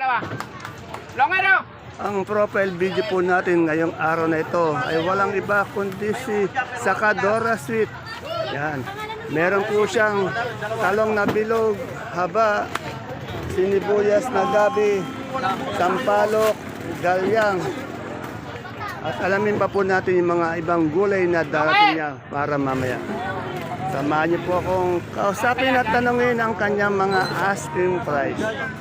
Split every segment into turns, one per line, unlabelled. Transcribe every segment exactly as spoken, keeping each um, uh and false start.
Ang profile video po natin ngayong araw na ito ay walang iba kundi si Sakadora Sweet. Yan. Meron po siyang talong na bilog, haba, sinibuyas na gabi, sampalok, galyang. At alamin pa po natin yung mga ibang gulay na darating niya para mamaya. Samahan niyo po akong kausapin at tanungin ang kanyang mga asking price.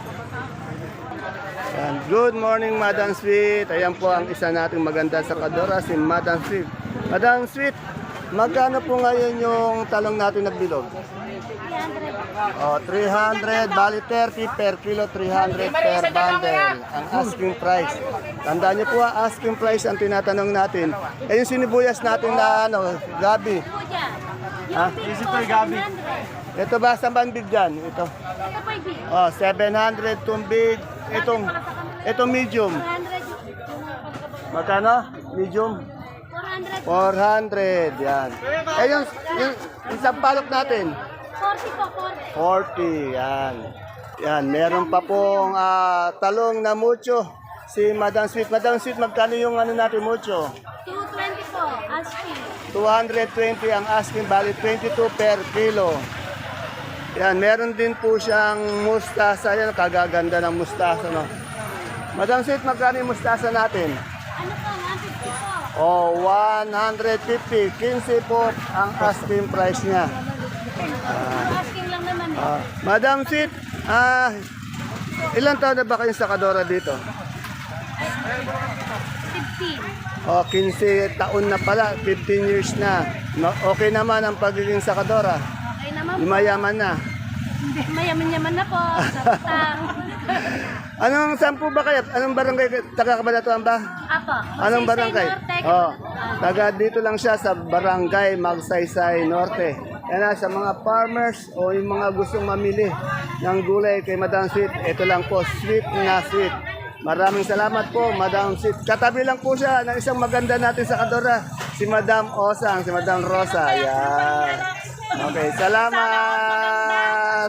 Yan. Good morning, Madam Sweet. Ayan po ang isa nating maganda sa Sakadora, si Madam Sweet. Madam Sweet, magkano po ngayon yung talong natin na bilog? Oh, three hundred, bali thirty per kilo, three hundred per bundle. Ang asking price. Tandaan niyo po, ah, asking price ang tinatanong natin. Eh yung sinibuyas natin na ano, gabi. Ha?
Ito yung gabi.
Ito ba sa big dyan? Ito. Oh, seven hundred itong big. Itong, itong medium. Magkano? Medium? four hundred. Yan. Eh yung, yung, yung sampalok natin?
forty po, forty.
forty. Yan. Yan. Meron pa pong ah, talong na mucho. Si Madam Sweet. Madam Sweet, magkano yung ano natin mucho?
two twenty po, asking.
two hundred twenty ang asking, bali twenty-two per kilo. Yan, meron din po siyang mustasa. Yan, kagaganda ng mustasa, no? Madam Sweet, magkano yung mustasa natin?
Ano po, one fifty po.
Oh, one hundred fifty. fifteen po ang asking price niya.
Asking lang naman.
Ah, Madam Sweet, ah, ilang taon na ba kayong sakadora dito?
fifteen.
Oh, fifteen taon na pala, fifteen years na. No, okay naman ang pagiging sakadora.
Okay naman po.
Mayaman na.
Mayaman-yaman na po. Sarap.
Anong sampu ba kayo? Anong barangay? Taga Cabanatuan ba?
Apo.
Anong barangay? Oh,
Oh.
taga dito lang siya sa barangay Magsaysay Norte. Yan na, sa mga farmers o yung mga gustong mamili ng gulay kay Madam Sweet, ito lang po, sweet na sweet. Maraming salamat po, Madam Sweet. Katabi lang po siya ng isang maganda natin sa Kadora, si Madam Osang, si Madam Rosa. Yan. Okay, salamat!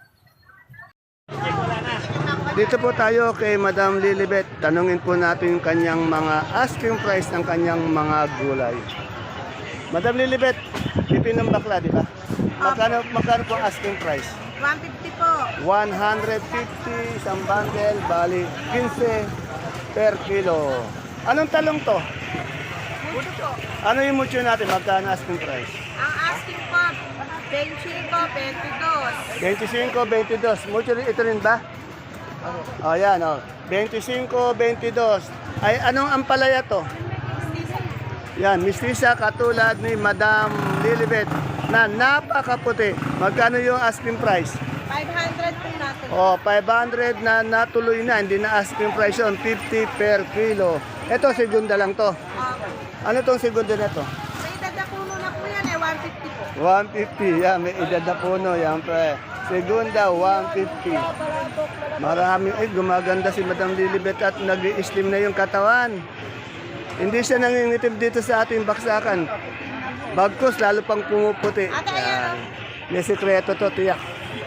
Dito po tayo kay Madam Lilibet. Tanungin po natin yung kanyang mga asking price ng kanyang mga gulay. Madam Lilibet, pipinong bakla, di ba? Magkano, magkano po ang asking price?
one fifty po.
one hundred fifty isang bundle, bali fifteen per kilo. Anong talong to?
Mucho po.
Ano yung mucho natin? Magkano asking price?
Ang asking po, twenty-five, twenty-two.
twenty-five, twenty-two. Mucho rin, ito rin ba? O oh, yan, o. Oh. twenty-five, twenty-two. Ay, anong ampalaya to? Yan, mistisa katulad ni Madam Lilibet na napakaputi. Magkano yung asking price?
five hundred po natin.
Oh, five hundred na natuloy na, hindi na asking price yun, fifty per kilo. Ito, segunda lang to.
Uh,
Ano tong segunda na to?
may dadapuno na po yan eh, one fifty po.
one fifty, yan, may edad na puno, yan pre. Segunda, one fifty. Maraming, ay, gumaganda si Madam Lilibet at nag-i-slim na yung katawan. Hindi siya nangingitim dito sa ating baksakan. Bagkus, lalo pang pumuputi. Yan. May sikreto to, tiyak.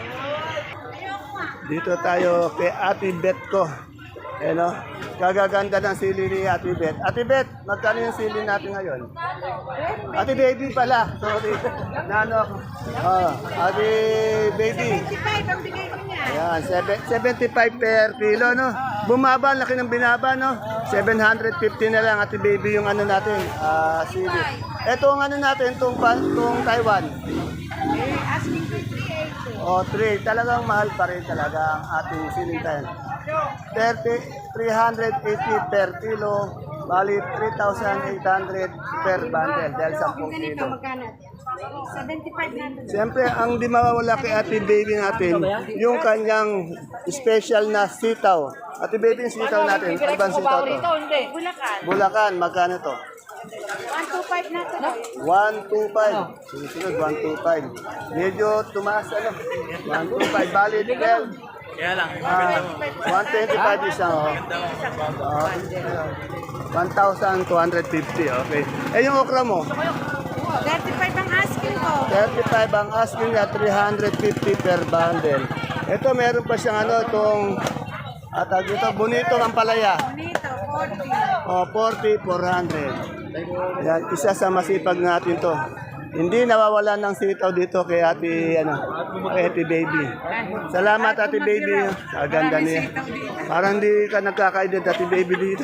Dito tayo kay Ate Bet ko. Eh, no? Kagaganda ng sili ni Ate Bet. Ate Bet, magkano yung sili natin ngayon? Ate Baby pala. Sorry. Nano ako. Oh, Ate Baby.
twenty-five ang bigay ko niya.
Ayan, seven- seventy-five per kilo, no? Bumaba, laki ng binaba, no? seven hundred fifty na lang, Ate Baby, yung ano natin, ah, sili. Ito ang ano natin, itong, itong Taiwan.
Eh, asking ko three eighty.
O, three. Talagang mahal pa rin talaga ang ating siling tayo. thirty, three hundred eighty per kilo, bali three thousand eight hundred per bundle dahil ten kilo.
Magkano? seventy-five natin.
Siyempre, ang di mawawala kay Ate Baby natin, yung kanyang special na sitaw. Ate Baby, yung sitaw natin, ano ba ang sitaw to?
Bulacan.
Bulacan, magkano to?
one twenty-five natin.
one twenty-five. Susunod, one twenty-five. Medyo tumaas, ano? one twenty-five. Bali, twelve.
Kaya lang,
Ah, one twenty-five isang, oh. Ah, one thousand two hundred fifty, okay. Eh, yung okra mo?
thirty-five ang asking ko.
thirty-five ang asking niya, three hundred fifty per bundle. Ito, meron pa siyang ano, itong At uh, dito, bonito ang palaya.
Bonito, forty.
O, forty, four hundred. Yan, isa sa masipag natin to. Hindi nawawala ng sitaw dito kay ate, ano, kay ate baby. Salamat ate baby. Sa ganda niya. Parang di ka nagkakaedad ate baby dito.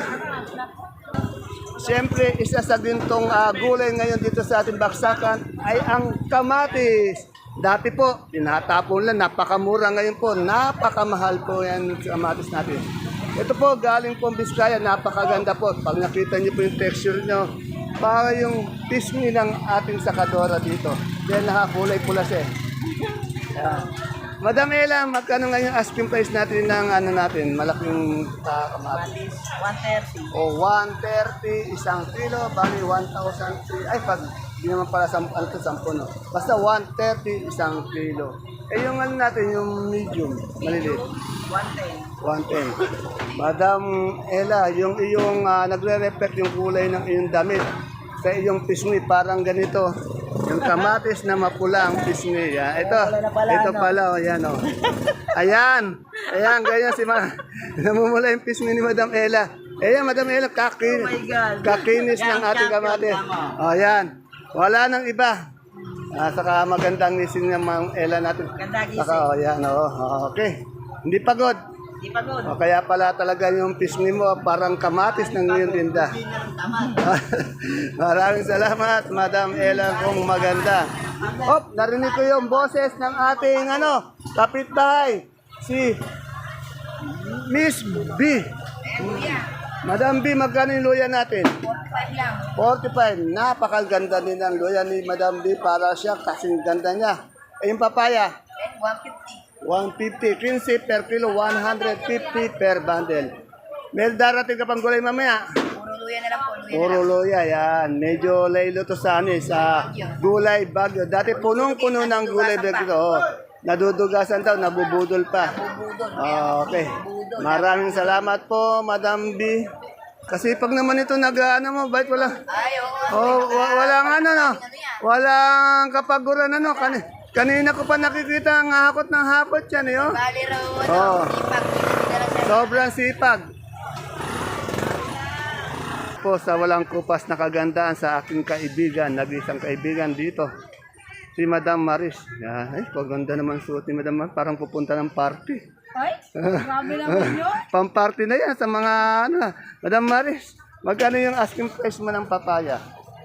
Siyempre, isa sa gintong uh, gulay ngayon dito sa ating baksakan ay ang kamatis. Dati po, tinatapon lang, napakamura ngayon po, napakamahal po yan sa kamatis natin. Ito po, galing po Biskaya, napakaganda po. Pag nakita niyo po yung texture nyo, para yung pisngi ng ating sakadora dito. Dahil nakakulay pula siya. eh. Yan. Madam Ella, magkano ngayon asking price natin ng ano natin, malaking uh, kamatis?
one thirty.
O one thirty isang kilo, bali one thousand three. Ay, pag di naman pala sam, ano to, sampo, no? Basta one thirty isang kilo. Eh, yung ano natin, yung medium, maliliit.
one ten.
one ten. Madam Ella, yung iyong uh, nagre-reflect yung kulay ng iyong damit sa iyong pisngi, parang ganito. Yung kamatis na mapula ang pisngi. Yan. Ito, ito pala, oh, yan, oh. Ayan, ayan, ganyan si Ma. Namumula yung pisngi ni Madam Ella. Ayan, Madam Ella, kakin, kakinis ng ating kamatis. Oh, yan. Wala nang iba. Ah, saka magandang nisin ng Ma'am Ella natin.
Ganda gising.
Saka, oh, yan, oh. Okay. Hindi pagod.
Di pagod.
O, kaya pala talaga yung pisngi mo parang kamatis ng iyong tinda. Maraming salamat, Madam Ella, kung maganda. Hop, narinig ko yung boses ng ating ano, kapitbahay, si Miss B. Madam B, magkano yung luya natin?
forty-five lang.
forty-five. Napakaganda din ang luya ni Madam B para siya kasing ganda niya. Eh, yung papaya?
one fifty.
one fifty, fifteen per kilo, one hundred fifty per bundle. May darating ka pang gulay mamaya.
Puro luya na lang po. Luya
Puro luya, yan. Medyo laylo to sa ano, eh, sa gulay bagyo. Dati punong-puno ng gulay bagyo. Oh, nadudugasan daw, nabubudol pa. Oh, okay. Maraming salamat po, Madam B. Kasi pag naman ito nag, ano mo, bait wala.
Ay, oo.
Oh, wa- walang ano, no? Walang kapaguran, ano, kan kanina ko pa nakikita ang hakot ng hapot yan, eh, oh.
Bali raw, ano,
Oo.
ipag. Dala sa
Sobrang sipag. Po sa walang kupas na kagandaan sa aking kaibigan, nag-isang kaibigan dito. Si Madam Maris. Yan. Ay, paganda naman suot ni Madam Maris. Parang pupunta ng party.
Ay, grabe naman yun.
Pamparty na yan sa mga ano. Madam Maris, magkano yung asking price mo ng papaya?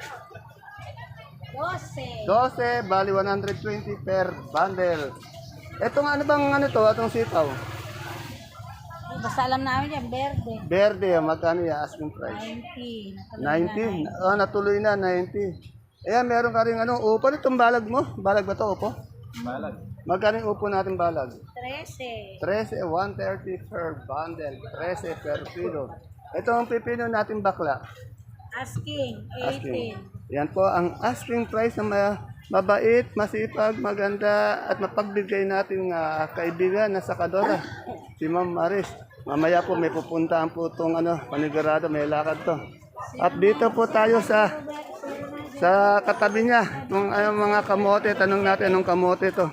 Dose.
twelve, bali one hundred twenty per bundle. Etong ano bang ano to, atong sitaw?
Basta alam namin yan, verde.
Verde, magkano yung asking price?
ninety.
ninety? Oh, natuloy na, ninety. Ayan, meron ka rin ano, upo itong balag mo. Balag ba to, upo? Balag. Magkano yung upo natin balag?
Trece.
thirteen, one thirty per bundle. thirteen per kilo. Ito ang pipino natin bakla.
Asking,
Asking.
eighteen.
Yan po ang asking price na ma- mabait, masipag, maganda at mapagbigay nating ah, kaibigan na sakadora. Si Ma'am Maris. Mamaya po may pupuntahan po itong ano, panigurado, may lakad to. At dito po tayo sa sa katabi niya, itong ano, mga kamote. Tanong natin anong kamote to.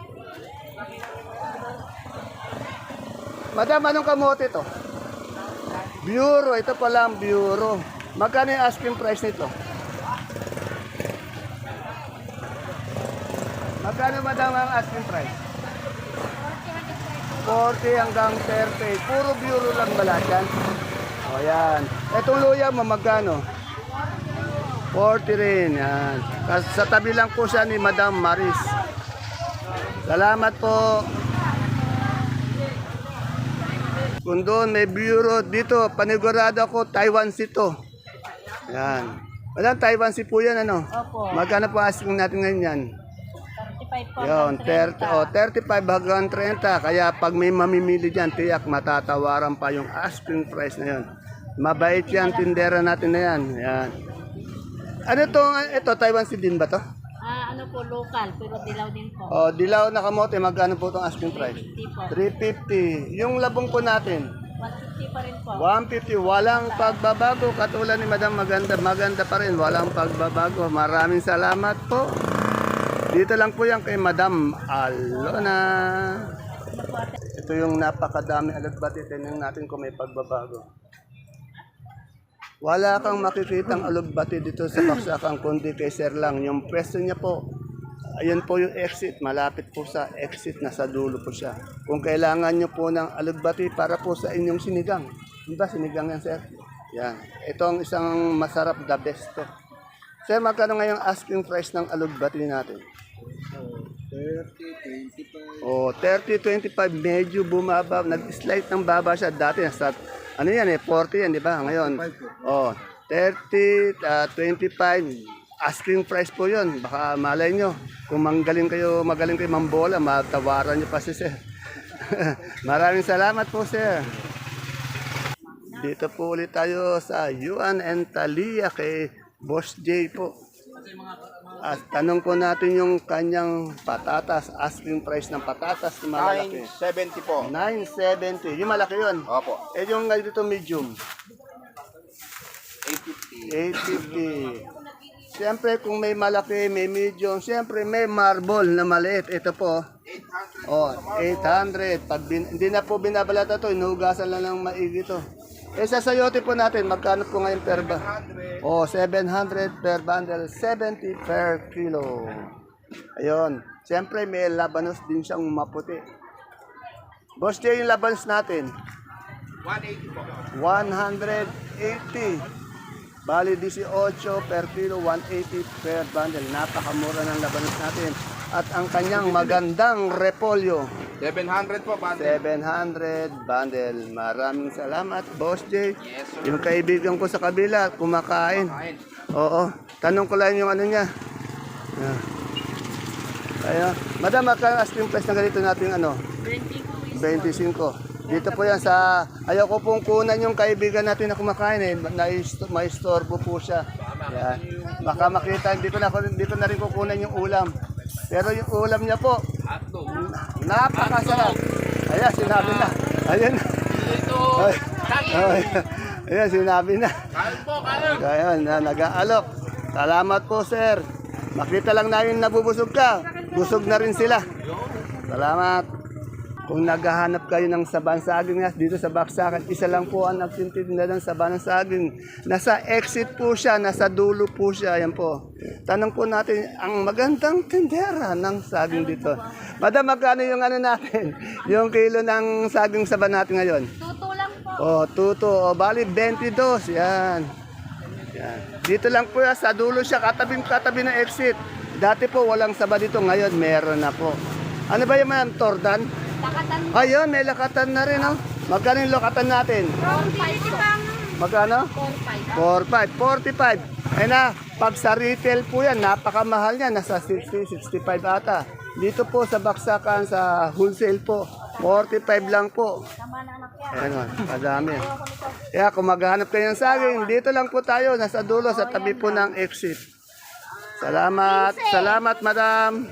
Madam, anong kamote to? Bureau, ito pala ang bureau. Magkano yung asking price nito? Magkano madam ang asking price? forty hanggang thirty. Puro bureau lang ba lahat yan? O yan. Itong luya mo magkano? forty rin. Yan. Kas- Sa tabi lang po siya ni Madam Maris. Salamat po. Kung doon may bureau dito, panigurado ako, Taiwan Sea to. Yan. Walang Taiwan Sea po yan, ano?
Opo.
Magkano po asking natin ngayon yan?
thirty-five po.
Yun,
hanggang
thirty, oh, thirty-five hanggang thirty. Kaya pag may mamimili dyan, tiyak matatawaran pa yung asking price na yun. Mabait yan, tindera natin na yan. Yan. Ano to? Ito, Taiwan Sea din ba to?
Ah, ano po, local, pero dilaw din po.
Oh, dilaw na kamote, magkano po itong asking price?
fifty po.
three fifty. Yung labong po natin,
one fifty pa rin po.
one fifty. Walang pagbabago. Katulad ni Madam, maganda, maganda pa rin. Walang pagbabago. Maraming salamat po. Dito lang po yan kay Madam Alona. Ito yung napakadami alugbati. Tingnan natin kung may pagbabago. Wala kang makikitang alugbati dito sa Baksakan kundi kay Sir lang. Yung pwesto niya po, ayun po yung exit. Malapit po sa exit, nasa dulo po siya. Kung kailangan nyo po ng alugbati para po sa inyong sinigang. Diba sinigang yan, Sir? Yan. Ito ang isang masarap, the best to. Sir, magkano ngayong asking price ng alugbati natin? Oh, thirty, twenty-five, medyo bumaba. Nag-slide ng baba siya. Dati, nasa, ano yan eh, forty yan, di ba? Ngayon, oh, thirty, uh, twenty-five, asking price po yun. Baka malay nyo, kung manggaling kayo, magaling kayo mambola, matawaran nyo pa si Sir. Maraming salamat po, Sir. Dito po ulit tayo sa Yuan and Talia kay Boss J po. At tanong po natin yung kanyang patatas, asking price ng patatas na malaki.
nine seventy po.
nine seventy. Yung malaki yun.
Opo.
Eh yung ngayon dito medium.
eight fifty.
eight fifty. Siyempre kung may malaki, may medium, siyempre may marble na maliit. Ito po. Oh, eight hundred. Pag bin, hindi na po binabalata to, inuhugasan lang ng maigi to. Eh sa sayote po natin, magkano po ngayon per ba? Oh, seven hundred per bundle, seventy per kilo. Ayun. Siyempre may labanos din siyang maputi. Boss Jay, yung labanos natin.
one eighty po.
one eighty. Bali eighteen per kilo, one eighty per bundle. Napakamura ng labanos natin. At ang kanyang magandang repolyo,
seven hundred po, bante.
seven hundred bundle. Maraming salamat, Boss J.
Yes, sir.
Yung kaibigan ko sa kabila, kumakain.
Kain.
Oo. Tanong ko lang yung ano niya. Yeah. Kaya, madam, magkano asking price na ganito natin ano? twenty-five. Dito po yan sa, ayaw ko pong kunan yung kaibigan natin na kumakain eh. Na- May istorbo po siya. Yan. Baka makita, hindi ko na, hindi ko na rin kukunan yung ulam. Pero yung ulam niya po, napakasarap. Ayan, sinabi na. Ayan. Ay, ay, ayan, sinabi na. Ayan, na, nag-aalok. Salamat po, sir. Makita lang namin nabubusog ka. Busog na rin sila. Salamat. Kung naghahanap kayo ng saban saging na dito sa Baksakan, isa lang po ang nagtitinda ng saban ng saging. Nasa exit po siya, nasa dulo po siya. Ayan po. Tanong po natin ang magandang tindera ng saging dito. Madam, magkano yung ano natin? Yung kilo ng saging saban natin ngayon?
Tuto lang po.
Oh, tuto. O, bali, twenty-two. Yan. Yan. Dito lang po yan, sa dulo siya, katabing katabi ng exit. Dati po walang saba dito, ngayon meron na po. Ano ba yung mga tordan?
Lakatan po.
Ayun, may lakatan na rin, oh. Magkano yung lakatan natin?
four five po.
Magkano?
four five.
four five, forty-five. Ayun na, pag sa retail po yan, napakamahal niya, nasa sixty, sixty-five ata. Dito po sa Baksakan, sa wholesale po, forty-five lang po.
Tama na anak yan.
Ayan o, madami. Kaya kung maghanap kayo ng saging, dito lang po tayo, nasa dulo, sa tabi po ng exit. Salamat, salamat madam.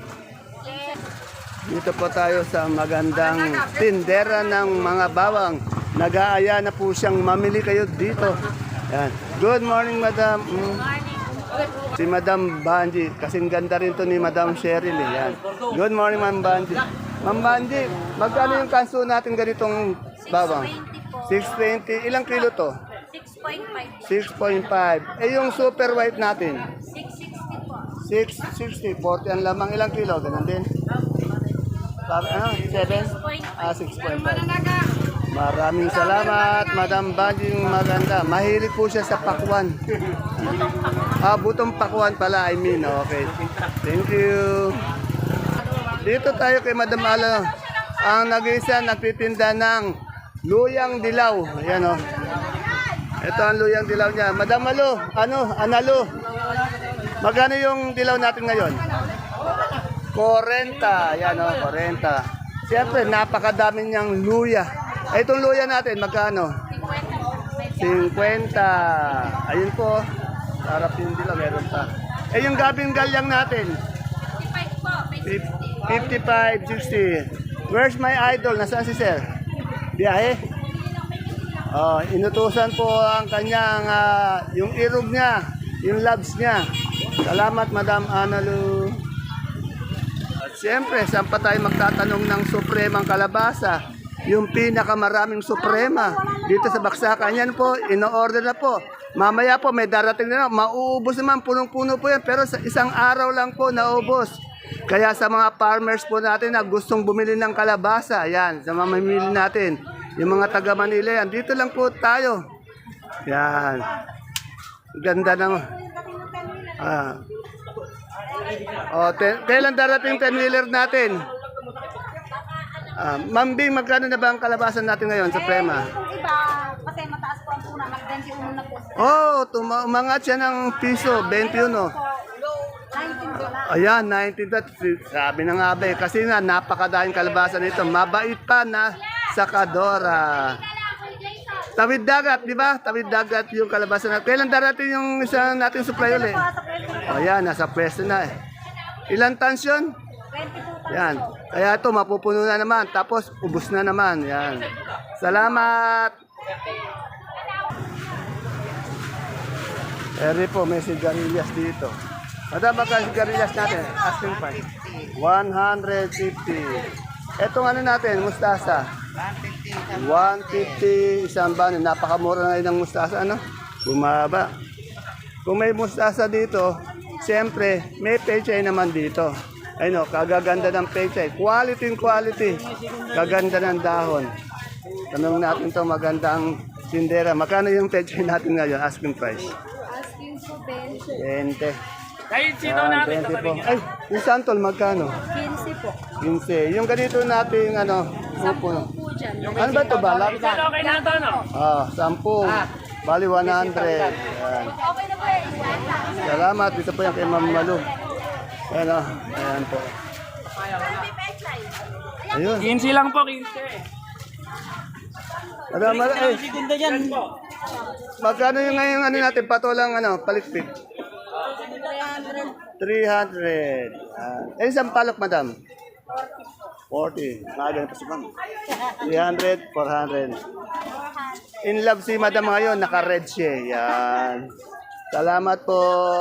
Dito po tayo sa magandang tindera ng mga bawang. Nag-aaya na po siyang mamili kayo dito. Yan. Good morning, madam. Mm. Si Madam Banji. Kasing ganda rin to ni Madam Cheryl. Eh. Yan. Good morning, Ma'am Banji. Ma'am Banji, magkano yung kanso natin ganitong bawang? six twenty. Ilang kilo to?
six point five.
six point five. Eh, yung super white natin?
six sixty po.
six sixty. forty ang lamang. Ilang kilo? Ganun din. Sabi, ano? seven? Ah, six point five. Maraming salamat, Madam Banjing maganda. Mahilig po siya sa pakwan. Ah, butong pakwan pala, I mean. Okay. Thank you. Dito tayo kay Madam Alo. Ang nag-isa nagtitinda ng luyang dilaw. Ayan o. Ito ang luyang dilaw niya. Madam Alo, ano? Analo. Magkano yung dilaw natin ngayon? forty. Yan o, forty. Siyempre, napakadami niyang luya. Eh, itong luya natin, magkano? fifty. Ayun po. Sarap yung dilaw, meron pa. Eh, yung gabing galyang natin?
fifty-five po.
fifty-five, sixty. Where's my idol? Nasaan si sir? Biyahe? Oh, inutusan po ang kanyang, ah, yung irog niya, yung labs niya. Salamat, Madam Analu. siyempre, saan pa tayo magtatanong ng supremang kalabasa? Yung pinakamaraming suprema dito sa Baksakan. Yan po, ino-order na po. Mamaya po, may darating na, mauubos naman, punong-puno po yan. Pero sa isang araw lang po, naubos. Kaya sa mga farmers po natin na gustong bumili ng kalabasa, yan, sa mamimili natin. Yung mga taga Manila yan, dito lang po tayo. Yan. Ganda ng... Ah. Oh, ten, kailan darating ten-wheeler natin? Ah, Ma'am Bing, magkano na ba ang kalabasan natin ngayon sa Prema?
Kung iba, kasi mataas po ang puna, mag-twenty-one na po.
Oh, tuma- umangat siya ng piso, twenty-one.
nineteen dollars.
Ayan, nineteen. Sabi na nga ba eh, kasi nga napakadaing kalabasan nito. Mabait pa na sakadora. Tawid dagat, di ba? Tawid dagat yung kalabasan natin. Kailan darating yung isa natin supply ulit? O yan, nasa pwesto na eh. Ilan tons yun? Yan. Kaya ito, mapupuno na naman. Tapos, ubus na naman. Yan. Salamat! Eri po, may sigarilyas dito. Madam, magka sigarilyas natin? Asking price. one fifty. Etong ano natin, mustasa? one fifty, isang bano. Napakamura na ng mustasa, ano? Bumaba. Kung may mustasa dito, siyempre, may pechay naman dito. Ayun o, kagaganda ng pechay. Quality in quality. Kaganda ng dahon. Tanong natin to magandang sindera. Magkano yung pechay natin ngayon? Asking price.
Asking po, Ben.
twenty. Yan, twenty po. Ay, yung santol, magkano?
quince po.
fifteen. Yung ganito natin, ano, upo.
Po dyan.
Ano ba ito, balak?
Okay na ito, no?
Ah, sampu. Bali, one hundred. Yan.
Okay na po eh.
Salamat. Dito po yan kay Ma'am Malu. Ayan o. Ayan po. Ayun.
quince lang po, quince.
Madam, madam, eh. Magkano yung ngayon ano natin, patulang ano, palikpik? three hundred. Ah. Eh, isang palok, madam? forty. Mga pa si ma'am. three hundred, four hundred. In love si madam ngayon, naka-red siya. Yan. Salamat po.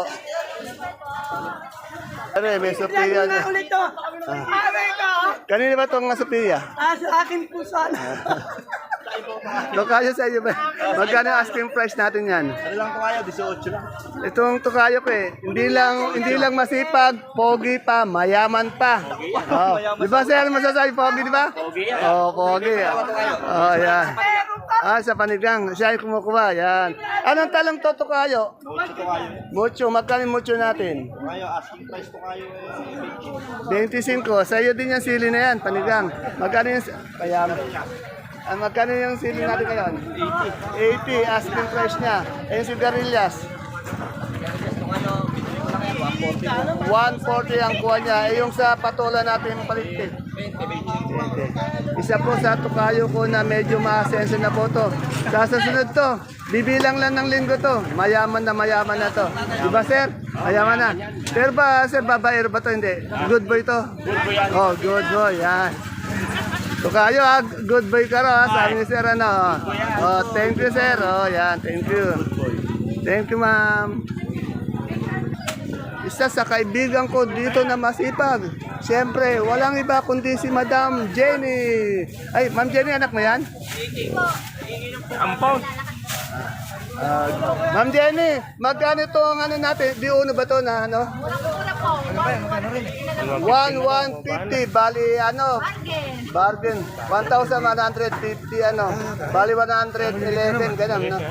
Ano eh, may Sophia.
Na ulit to.
Ah.
Aray ko.
Kanina ba itong Sophia?
Ah, sa akin po sana.
Tokayo sa iyo ba? Magkano ang asking price natin yan?
Ano lang po kayo? eighteen lang.
Itong tokayo ko eh, hindi lang hindi lang masipag, pogi pa, mayaman pa. Oh. Di ba sir, masasabi pogi, di ba? Pogi yan. Oh, pogi. Oh, yan. Ah, sa panigang, siya yung kumukuha, yan. Anong talong to tokayo?
Ito kayo.
Mucho, magkano yung mucho natin?
Kayo, asking price po kayo.
twenty-five. Sa iyo din yung sili na yan, panigang. Magkano yung, kaya, ah, magkano yung sili natin ngayon? eighty. eighty, asking price niya. Eh, yung sigarilyas? one forty ang kuha niya. Eh, yung sa patola natin yung paligpit? twenty. Isa po sa tukayo ko na medyo maasenso na po to. Sa susunod to, bibilang lang ng linggo to. Mayaman na mayaman na to. Diba sir? Mayaman na. Pero ba sir, babaero ba to? Hindi. Good boy to? Good boy yan. Oh, good boy. Yan. Tukayo ha, good boy ka ro ha. Sabi ni sir ano. Oh, thank you sir. Oh, yan. Thank you. Thank you ma'am. Isa sa kaibigan ko dito na masipag. Siyempre, walang iba kundi si Madam Jenny. Ay, Ma'am Jenny, anak mo yan?
Ampon.
Ah, Ma'am Jenny, magkano itong ano natin? Di uno ba ito na ano? one one fifty, bali ano? Bargain. one thousand one hundred fifty ano? Bali one hundred eleven, ganun, no?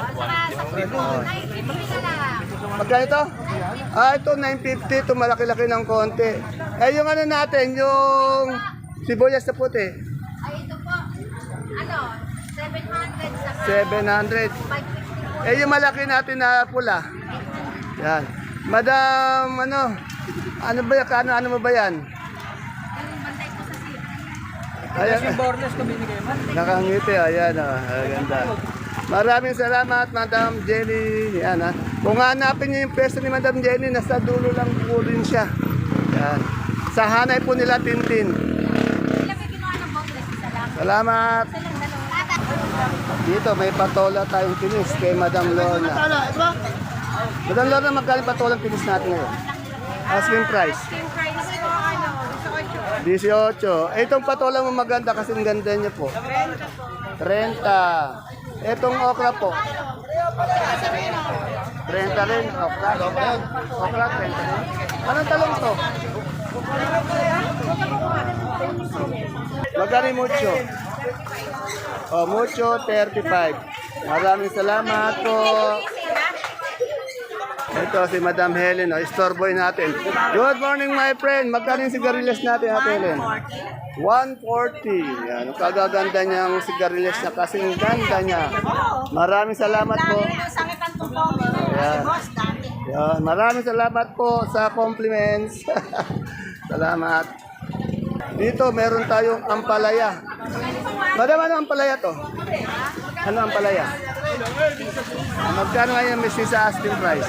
Magkano ito? Ah, ito nine fifty, ito malaki-laki ng konti. Eh, yung ano natin, yung sibuyas na puti.
Ay, ito po. Ano? seven hundred sa
seven hundred.
five fifty po.
Eh, yung malaki natin na pula. Yan. Madam, ano? Ano ba yan? Ano, ano mo ba yan?
Yung bantay po sa sip.
Ayan.
Bornes ko binigay mo.
Nakangiti, ayan o. Oh, ganda. Maraming salamat, Madam Jenny. Yan ha. Kung hanapin niyo yung pwesto ni Madam Jenny, nasa dulo lang po rin siya. Yan. Sa hanay po nila, Tintin.
Sila may kinuha ng boneless. Isa lang.
Salamat.
Isa lang dalawa.
Dito, may patola tayong kinis kay Madam Lorna. Madam Lorna, magkano patolang kinis natin ngayon? Asking price.
Asking price po, ano,
eighteen. Eh, itong patola mo maganda kasi ang ganda niya po. thirty. Itong okra po. thirty rin, okra. Okra, thirty rin. Anong talong to? Magkano yung mucho? Oh, mucho, thirty-five. Maraming salamat po. Ito si Madam Helen, oh, store boy natin. Good morning, my friend. Magkano yung sigarilyas natin, Ate Helen? one forty. Yan, ang kagaganda niyang sigarilyas na kasing ganda niya. Maraming salamat po. Yan. Yan. Maraming salamat po sa compliments. Salamat. Dito, meron tayong ampalaya. Madam, ano ampalaya to? Ano ampalaya? Magkano ngayon may sa asking price?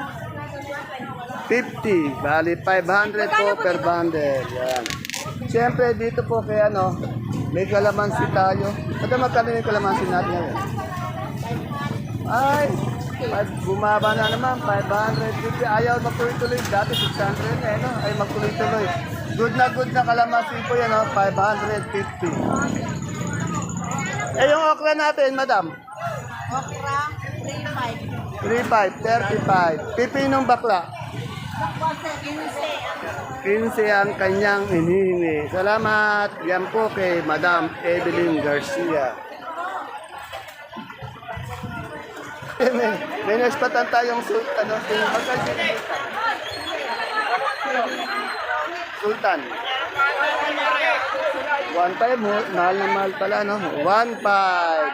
fifty. Bali, five hundred po per bundle. Yan. Siyempre, dito po kay ano, may kalamansi tayo. Madam, magkano yung kalamansi natin ngayon? Ay, five- bumaba na naman, five hundred fifty. Ayaw magtuloy-tuloy. Dati six hundred eh, no? Ay, magtuloy-tuloy. Good na good na kalamansi po yan, no? five hundred fifty. Eh, yung okra natin, madam?
Okra, three five.
three five, thirty-five. Pipinong bakla? quince ang kanyang hinihingi. Salamat. Yan po kay Madam Evelyn Garcia. may, may naspatan tayong sultan. Ano, sultan. one five mo. Mahal na mahal pala, no? one five.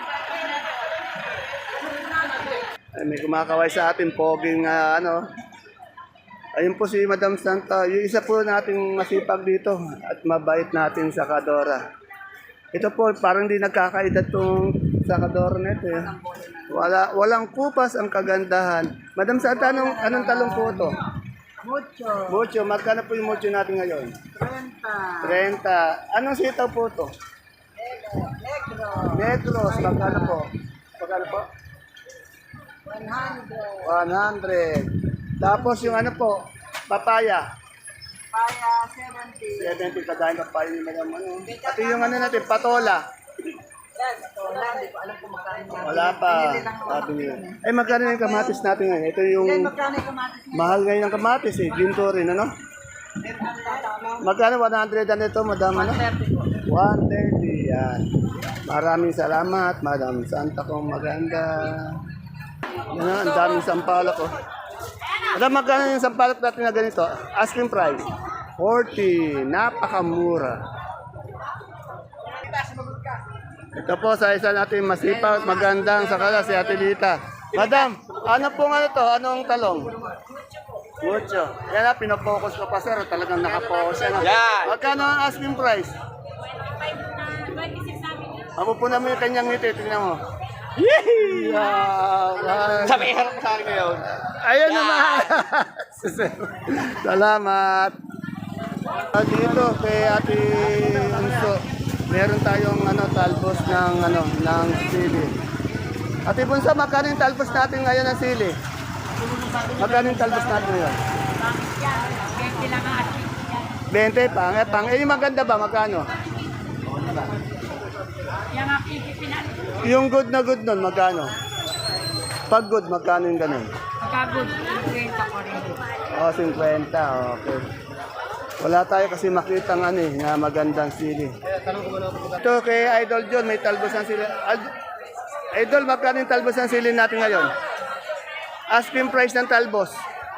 Ay, may kumakaway sa atin. Poging, ah, ano. Ayun po si Madam Santa. Yung isa po nating masipag dito at mabait natin sa Kadora. Ito po, parang di nagkakaedad tong sa Kadora na ito. Eh. Wala, walang kupas ang kagandahan. Madam Santa, anong, anong talong po ito?
Mucho.
Mucho. Magkano po yung mucho natin ngayon?
thirty.
thirty. Anong sitaw po ito?
Negro.
Negros. Magkano po? Magkano po?
one hundred.
one hundred. Tapos yung ano po, papaya.
Paya, seventy.
seventy kadahin papaya ni Madam ano. At yung ano natin, patola.
Yan, ito lang. Di ko alam kung magkano yan.
Wala pa.
Pinili lang ako
Sabi
ng
niya.
yun eh.
Ay, magkano yung kamatis natin ngayon? Ito yung
Then, magkano yung kamatis niya?
mahal ngayon ng kamatis eh. Ginto rin, ano? Magkano one hundred ano ito, Madam? Ano?
thirty po.
one thirty, yan. Maraming salamat, Madam Santa kong maganda. Yan na, ang daming sampalok oh. Madam, magkano yung sampalok natin na ganito? Asking price? forty. Napakamura. Ito po sa isa natin masipag, magandang sakala si Ate Lita. Madam, ano po nga ito? Anong talong? Mucho. Yan na, pinapokus ko pa sir. Talagang nakapokus yan.
Yan.
Magkano ang asking price? Ako po naman yung kanyang ngiti. Tingnan mo. Yee! Yeah,
Sabi, harap mo sa akin ngayon.
Ayan naman. Salamat. At dito kay Ate Unso, meron tayong ano talbos ng ano ng sili. Ate Bunso, magkano yung talbos natin ngayon ng sili? Magkano yung talbos natin ngayon? twenty pangit, pang. Eh, yung maganda ba? Magkano? Yung good na good nun, magkano? Pag good, magkano yung ganun?
Pagkagod, kwenta ko rin.
Oh, fifty. Okay. Wala tayo kasi makita ng ano eh, na magandang sili. Ito kay Idol John, may talbos ng sili. Ad- Idol, magkano yung talbos ng sili natin ngayon? Asking price ng talbos?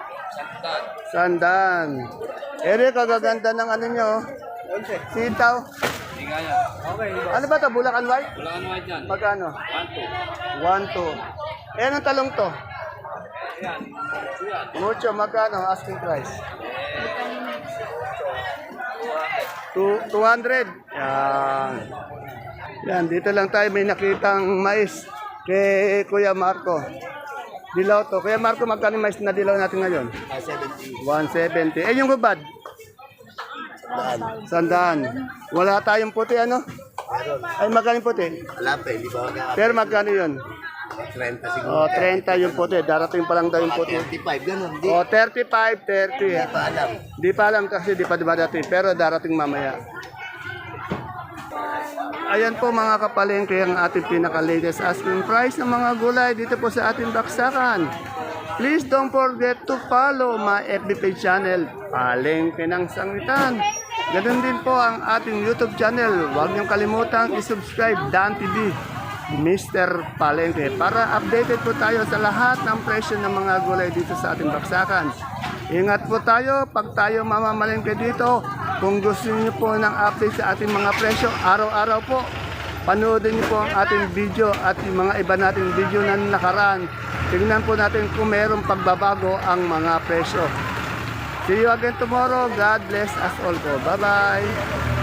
Sandan. Ere, kagaganda ng ano nyo. Sitaw. Ano ba ito? Bulacan White?
Bulacan White yan.
Magkano? one two. Eh, anong talong to? Mucho, magkano? Asking price? Two, two hundred. Yan. Yan, dito lang tayo may nakitang mais kay Kuya Marco. Dilaw to. Kuya Marco, magkano yung mais na dilaw natin ngayon? one seventy. Eh, yung gubad? Sandaan. Wala tayong puti, ano? Ay, magkano yung puti?
Wala pa, hindi ba?
Pero magkano yun?
thirty siguro.
O, thirty yung puti. Darating pa lang daw yung puti.
thirty-five, ganun. Di,
O, thirty-five, thirty.
di pa alam.
Di pa alam kasi di pa dumadating, pero darating mamaya. Ayan po mga kapalengke ang ating pinaka-latest asking price ng mga gulay dito po sa ating baksakan. Please don't forget to follow my F B page channel, Palengke ng Sangitan. Ganun din po ang ating YouTube channel. Huwag niyong kalimutang i-subscribe Dan T V, Mister Palengke, para updated po tayo sa lahat ng presyo ng mga gulay dito sa ating baksakan. Ingat po tayo pag tayo mamamalengke dito. Kung gusto niyo po ng update sa ating mga presyo, araw-araw po, panoodin niyo po ang ating video at yung mga iba nating video na nakaraan. Tingnan po natin kung mayroong pagbabago ang mga presyo. See you again tomorrow. God bless us all po. Bye-bye.